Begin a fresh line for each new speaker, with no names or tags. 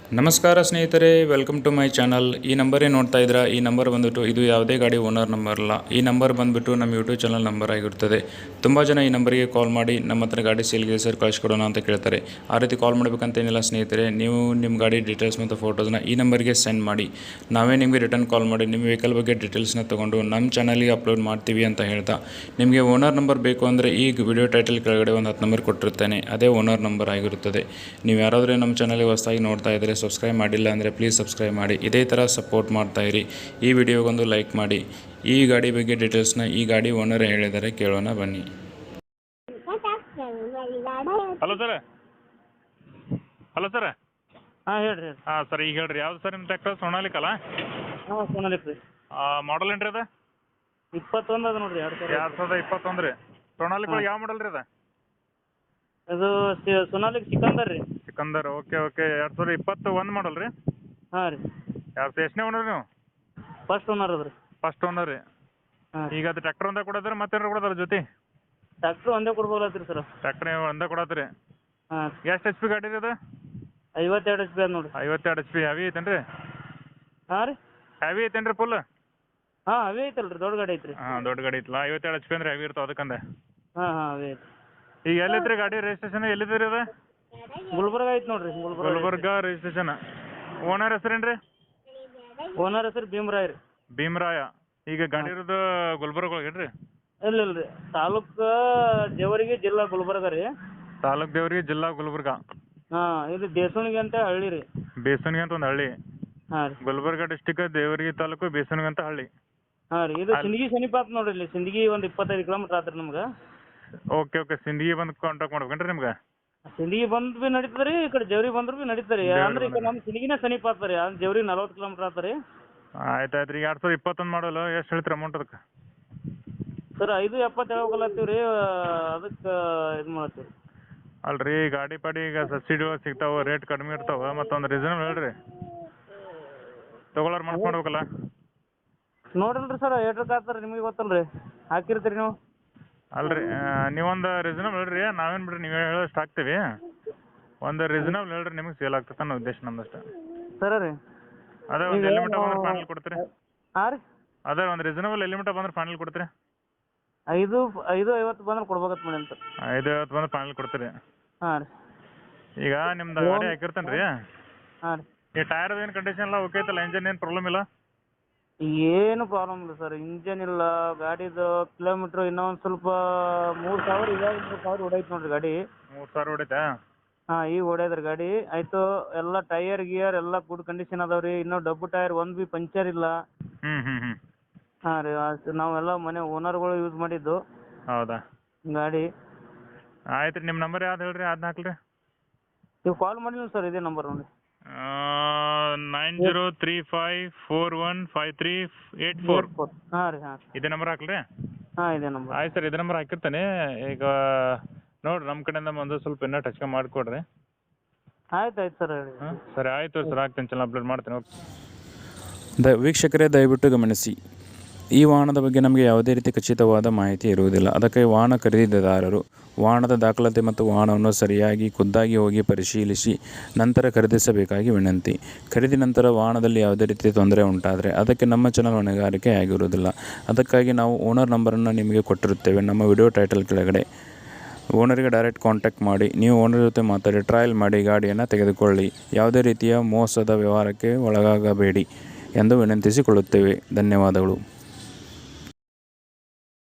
ನಮಸ್ಕಾರ ಸ್ನೇಹಿತರೆ, welcome to my channel. ಈ ನಂಬರೇ ನೋಡ್ತಾ ಇದ್ದೀರಾ. ಈ ನಂಬರ್ ಬಂದುಬಿಟ್ಟು ಇದು ಯಾವುದೇ ಗಾಡಿ ಓನರ್ ನಂಬರ್ ಅಲ್ಲ. ಈ ನಂಬರ್ ಬಂದುಬಿಟ್ಟು ನಮ್ಮ ಯೂಟ್ಯೂಬ್ ಚಾನಲ್ ನಂಬರ್ ಆಗಿರ್ತದೆ. ತುಂಬ ಜನ ಈ ನಂಬರಿಗೆ ಕಾಲ್ ಮಾಡಿ ನಮ್ಮ ಹತ್ರ ಗಾಡಿ ಸೇಲ್ಗೆ ಸರ್ ಕಳಿಸ್ಕೊಡೋಣ ಅಂತ ಕೇಳ್ತಾರೆ. ಆ ರೀತಿ ಕಾಲ್ ಮಾಡಬೇಕಂತೇನಿಲ್ಲ ಸ್ನೇಹಿತರೆ. ನೀವು ನಿಮ್ಮ ಗಾಡಿ ಡೀಟೇಲ್ಸ್ ಮತ್ತು ಫೋಟೋಸ್ನ ಈ ನಂಬರ್ಗೆ ಸೆಂಡ್ ಮಾಡಿ, ನಾವೇ ನಿಮಗೆ ರಿಟರ್ನ್ ಕಾಲ್ ಮಾಡಿ ನಿಮ್ಮ ವೆಹಿಕಲ್ ಬಗ್ಗೆ ಡೀಟೇಲ್ಸ್ನ ತೊಗೊಂಡು ನಮ್ಮ ಚಾನಲ್ಗೆ ಅಪ್ಲೋಡ್ ಮಾಡ್ತೀವಿ ಅಂತ ಹೇಳ್ತಾ, ನಿಮಗೆ ಓನರ್ ನಂಬರ್ ಬೇಕು ಅಂದರೆ ಈ ವಿಡಿಯೋ ಟೈಟಲ್ ಕೆಳಗಡೆ ಒಂದು 10 ನಂಬರ್ ಕೊಟ್ಟಿರ್ತೇನೆ. ಅದೇ ಓನರ್ ನಂಬರ್ ಆಗಿರುತ್ತದೆ. ನೀವು ಯಾರಾದರೂ ನಮ್ಮ ಚಾನಲ್ಗೆ ಹೊಸದಾಗಿ ನೋಡ್ತಾ ಇದ್ದರೆ, ಸಬ್ಸ್ಕ್ರೈಬ್ ಮಾಡಿಲ್ಲ ಅಂದರೆ ಪ್ಲೀಸ್ ಸಬ್ಸ್ಕ್ರೈಬ್ ಮಾಡಿ. ಇದೇ ಥರ ಸಪೋರ್ಟ್ ಮಾಡ್ತಾಯಿರಿ. ಈ ವಿಡಿಯೋಗೊಂದು ಲೈಕ್ ಮಾಡಿ. ಈ ಗಾಡಿ ಬಗ್ಗೆ ಡೀಟೇಲ್ಸ್ನ ಈ ಗಾಡಿ ಓನರ್ ಹೇಳಿದರೆ ಕೇಳೋಣ ಬನ್ನಿ.
Hello sir.
ಹಾಂ ಹೇಳ್ರಿ
ಹಾಂ ಸರ್, ಈಗ ಹೇಳ್ರಿ ಯಾವ್ದು ಸರ್ ನಿಮ್ಮ ಟ್ರ್ಯಾಕ್ಟರ್? ಸೋನಾಲಿಕಲ್ಲ?
ಹಾಂ ಸೋನಾಲಿಕ್ ರೀ.
ಮಾಡಲ್ ಏನು ರೀ ಅದು?
21 ಅದ ನೋಡ್ರಿ.
2021 ರೀ. ಸೋನಾಲಿಕ್ ಒಳಗೆ ಯಾವ ಮಾಡಲ್ ರೀ ಅದು?
ಅದು ಸೋನಾಲಿಕ್ ಸಿಕಂದರ್ ರೀ.
ಸಿಕಂದರ್. ಓಕೆ 2021 ಮಾಡಲ್ ರೀ.
ಹಾಂ ರೀ.
ಎಷ್ಟನೇ ಓನರ್ ನೀವು?
ಫಸ್ಟ್ ಓನರ್ ಅದ ರೀ.
ಫಸ್ಟ್ ಓನರ್ ರೀ.
ಹಾಂ.
ಈಗ ಅದು ಟ್ರ್ಯಾಕ್ಟರ್ ಒಂದೇ ಕೊಡೋದ್ರಿ ಮತ್ತೇನಾರು ಕೊಡೋದ್ರ ಜೊತೆ?
ಟ್ಯಾಕ್ಟ್ರ್ ಒಂದೇ ಕೊಡ್ಬೋದತ್ರಿ ಸರ್.
ಟ್ರ್ಯಾಕ್ಟರ್ ಒಂದೇ ಕೊಡತ್ರಿ.
ಹಾಂ.
ಎಷ್ಟು HP ಗಾಡಿ ರೀ ಅದು?
52 HP ಅದ ನೋಡ್ರಿ.
52 HP. ಹೆವಿ ಐತೇನು ರೀ?
ಹಾಂ ರೀ.
ಹೆವಿ ಐತೇನು ರೀ ಫುಲ್?
ಹಾಂ ಅವೇ ಐತಲ್ಲ ರೀ, ದೊಡ್ಡ ಗಾಡಿ ಐತ್ರಿ.
ಹಾಂ, ದೊಡ್ಡ ಗಾಡಿ ಐತಲ್ಲ. 52 HP ಅಂದ್ರೆ ಹೆವಿ ಇರ್ತಾವೆ ಅದಕ್ಕಂದೆ.
ಹಾಂ ಅವೇ ಐತಿ.
ಈಗ ಎಲ್ಲೈತ್ರಿ ಗಾಡಿ ರಿಜಿಸ್ಟ್ರೇಷನ್? ಎಲ್ಲಿದೆ ರೀ ಅದು?
ಗುಲ್ಬರ್ಗ ಐತಿ ನೋಡ್ರಿ.
ಗುಲ್ಬರ್ಗ ರಿಜಿಸ್ಟ್ರೇಷನ್. ಓನರ್ ಹೆಸರೇನು ರೀ?
ಓನರ್ ಹೆಸರು ಭೀಮರಾಯ್ ರೀ.
ಭೀಮರಾಯ. ಈಗ ಗಾಡಿ ಇರೋದು ಗುಲ್ಬರ್ಗ ಒಳಗೆ ರೀ?
ಇಲ್ಲ ರೀ, ತಾಲೂಕು ಜೇವರ್ಗಿ, ಜಿಲ್ಲಾ ಗುಲ್ಬರ್ಗ ರೀ.
ತಾಲೂಕ್ ದೇವ್ರಿಗೆ, ಜಿಲ್ಲಾ ಗುಲ್ಬರ್ಗ.
ಹಾಂ, ಇದು ದೇಸೋಣಿಗೆ ಅಂತ ಹಳ್ಳಿ ರೀ.
ಬೇಸನ್ಗೆ ಅಂತ ಒಂದು ಹಳ್ಳಿ.
ಹಾಂ ರೀ.
ಗುಲ್ಬರ್ಗ ಡಿಸ್ಟಿಕ್, ದೇವರಿಗೆ ತಾಲೂಕು, ಬೇಸನ್ಗೆ ಅಂತ ಹಳ್ಳಿ.
ಹಾಂ ರೀ. ಇದು ಸಿಂದಗಿ ಸಮೀಪ ಆತ್ ನೋಡ್ರಿ. ಇಲ್ಲಿ ಸಿಂದಗಿ ಒಂದು 25 ಕಿಲೋಮೀಟ್ರ್ ಆತ್ರಿ ನಮ್ಗೆ.
ಓಕೆ ಸಿಂದಗಿ ಬಂದು ಕಾಂಟ್ಯಾಕ್ಟ್ ಮಾಡ್ಬೇಕೇನ್ರಿ ನಿಮ್ಗೆ?
ಸಿಂದಗಿ ಬಂದು ಭೀ ನಡೀತದೆ ರೀ, ಈ ಕಡೆ ಜವ್ರಿ ಬಂದ್ರು ಭೀ ನಡೀತಾರೆ ರೀ. ಅಂದ್ರೆ ಈಗ ನಮ್ಮ ಸಿಂದಗಿನೇ ಸಮೀಪ ಆಗ್ತಾರೆ ರೀ. ಜವ್ರಿ 40 ಕಿಲೋಮೀಟ್ರ್ ಆಗ್ತಾರೆ ರೀ.
ಆಯ್ತು ರೀ. 2021 ಮಾಡಲು ಎಷ್ಟು ಹೇಳ್ತೀರಿ ಅಮೌಂಟ್ ಅದಕ್ಕೆ?
ಸರ್ 570 ಹೇಳ್ಕೊಳತ್ತೀವಿ ರೀ. ಅದಕ್ಕೆ ಇದು ಮಾಡತ್ತೀವಿ.
ಅಲ್ರಿ, ಗಾಡಿ ಪಾಡಿ ಈಗ ಸಬ್ಸಿಡಿ ಒಳಗೆ ಸಿಗ್ತಾವೆ, ರೇಟ್ ಕಡಿಮೆ ಇರ್ತಾವೆ. ಮತ್ತೊಂದು ರೀಸನಬಲ್ ಹೇಳ್ರಿ, ತೊಗೊಳೋರು ಮನ್ಸು ಮಾಡ್ಬೇಕಲ್ಲ.
ನೋಡಿಲ್ರಿ ಸರ್, ಏಟ್ರಕ್ಕೆ ಆಗ್ತಾರೆ ನಿಮಗೆ ಗೊತ್ತಲ್ಲ ರೀ, ಹಾಕಿರ್ತೀರಿ ನೀವು.
ಅಲ್ರಿ, ನೀವೊಂದು ರೀಸನಬಲ್ ಹೇಳ್ರಿ. ನಾವೇನು ಬಿಡ್ರಿ, ನೀವು ಹೇಳೋಷ್ಟು ಹಾಕ್ತೀವಿ. ಒಂದು ರೀಸನಬಲ್ ಹೇಳ್ರಿ, ನಿಮಗೆ ಸೇಲ್ ಆಗ್ತದೆ ಅನ್ನೋ ಉದ್ದೇಶ ನಮ್ದಷ್ಟೇ.
ಸರ ರೀ.
ಅದೇ ಒಂದು ಎಲಿಮಿಟ ಬಂದ್ರೆ ಫೈನಲ್ ಕೊಡ್ತೀರಿ?
ಹಾಂ ರೀ.
ಅದೇ ಒಂದು ರೀಸನಬಲ್ ಎಲಿಮಿಟ ಬಂದ್ರೆ ಫೈನಲ್ ಕೊಡ್ತೀರಿ?
550 ಬಂದ್ರೆ ಕೊಡ್ಬೇಕತ್ ಮಾಡಿ ಅಂತ.
550 ಬಂದ್ರೆ ಫೈನಲ್ ಕೊಡ್ತೀರಿ?
ಹಾಂ ರೀ.
ಈಗ ನಿಮ್ದು ಗಾಡಿ ಹಾಕಿರ್ತೇನೆ ರೀ.
ಹಾಂ ರೀ.
ಈ ಟೈರ್ ಏನು ಕಂಡೀಷನ್ ಎಲ್ಲ ಓಕೆ ಐತಲ್ಲ? ಇಂಜನ್ ಏನು ಪ್ರಾಬ್ಲಮ್ ಇಲ್ಲ?
ಏನು ಪ್ರಾಬ್ಲಮ್ ಇಲ್ಲ ಸರ್. ಇಂಜನ್ ಇಲ್ಲ, ಗಾಡಿದು ಕಿಲೋಮೀಟ್ರ್ ಇನ್ನೂ ಒಂದು ಸ್ವಲ್ಪ 3000, ಇವಾಗ 3000 ಹೊಡೈತೆ ನೋಡ್ರಿ ಗಾಡಿ.
3000 ಹೊಡೈತಾ? ಹಾಂ,
ಈಗ ಹೊಡ್ಯದ್ರಿ ಗಾಡಿ. ಆಯಿತು, ಎಲ್ಲ ಟೈರ್ ಗಿಯರ್ ಎಲ್ಲ ಗುಡ್ ಕಂಡೀಷನ್ ಅದಾವೆ ರೀ. ಇನ್ನೂ ಡಬ್ಬು ಟೈರ್ ಒಂದು ಭೀ ಪಂಚರ್ ಇಲ್ಲ.
ಹ್ಞೂ.
ಹಾಂ ರೀ. ನಾವೆಲ್ಲ ಮನೆ ಓನರ್ಗಳು ಯೂಸ್ ಮಾಡಿದ್ದು
ಹೌದಾ
ಗಾಡಿ.
ಆಯ್ತು ರೀ. ನಿಮ್ಮ ನಂಬರ್ ಯಾವ್ದು ಹೇಳ್ರಿ, ಅದನ್ನ ಹಾಕ್ಲಿ.
ನೀವು ಕಾಲ್ ಮಾಡಿಲ್ಲ ಸರ್, ಇದೇ ನಂಬರ್ ನೋಡಿ.
9035415384.
ಹಾಂ ರೀ. ಹಾಂ
ಇದೇ ನಂಬರ್ ಹಾಕ್ಲಿ?
ಹಾಂ ಇದೇ ನಂಬರ್.
ಆಯ್ತು ಸರ್, ಇದೇ ನಂಬರ್ ಹಾಕಿರ್ತಾನೆ. ಈಗ ನೋಡಿರಿ, ನಮ್ಮ ಕಡೆಯಿಂದ ಒಂದು ಸ್ವಲ್ಪ ಇನ್ನೂ ಟಚ್ ಮಾಡಿಕೊಡ್ರಿ.
ಆಯ್ತು ಸರ್, ಹೇಳಿ.
ಹಾಂ ಸರಿ, ಆಯಿತು ಸರ್, ಹಾಕ್ತೀನಿ. ಚಾನಲ್ ಅಪ್ಲೋಡ್ ಮಾಡ್ತೀನಿ. ಓಕೆ.
ವೀಕ್ಷಕರೇ, ದಯವಿಟ್ಟು ಗಮನಿಸಿ, ಈ ವಾಹನದ ಬಗ್ಗೆ ನಮಗೆ ಯಾವುದೇ ರೀತಿ ಖಚಿತವಾದ ಮಾಹಿತಿ ಇರುವುದಿಲ್ಲ. ಅದಕ್ಕೆ ವಾಹನ ಖರೀದಿದಾರರು ವಾಹನದ ದಾಖಲಾತಿ ಮತ್ತು ವಾಹನವನ್ನು ಸರಿಯಾಗಿ ಖುದ್ದಾಗಿ ಹೋಗಿ ಪರಿಶೀಲಿಸಿ ನಂತರ ಖರೀದಿಸಬೇಕಾಗಿ ವಿನಂತಿ. ಖರೀದಿ ನಂತರ ವಾಹನದಲ್ಲಿ ಯಾವುದೇ ರೀತಿ ತೊಂದರೆ ಉಂಟಾದರೆ ಅದಕ್ಕೆ ನಮ್ಮ ಚಾನಲ್ ಹೊಣೆಗಾರಿಕೆ ಆಗಿರುವುದಿಲ್ಲ. ಅದಕ್ಕಾಗಿ ನಾವು ಓನರ್ ನಂಬರನ್ನು ನಿಮಗೆ ಕೊಟ್ಟಿರುತ್ತೇವೆ ನಮ್ಮ ವಿಡಿಯೋ ಟೈಟಲ್ ಕೆಳಗಡೆ. ಓನರಿಗೆ ಡೈರೆಕ್ಟ್ ಕಾಂಟ್ಯಾಕ್ಟ್ ಮಾಡಿ, ನೀವು ಓನರ್ ಜೊತೆ ಮಾತಾಡಿ ಟ್ರಯಲ್ ಮಾಡಿ ಗಾಡಿಯನ್ನು ತೆಗೆದುಕೊಳ್ಳಿ. ಯಾವುದೇ ರೀತಿಯ ಮೋಸದ ವ್ಯವಹಾರಕ್ಕೆ ಒಳಗಾಗಬೇಡಿ ಎಂದು ವಿನಂತಿಸಿಕೊಳ್ಳುತ್ತೇವೆ. ಧನ್ಯವಾದಗಳು.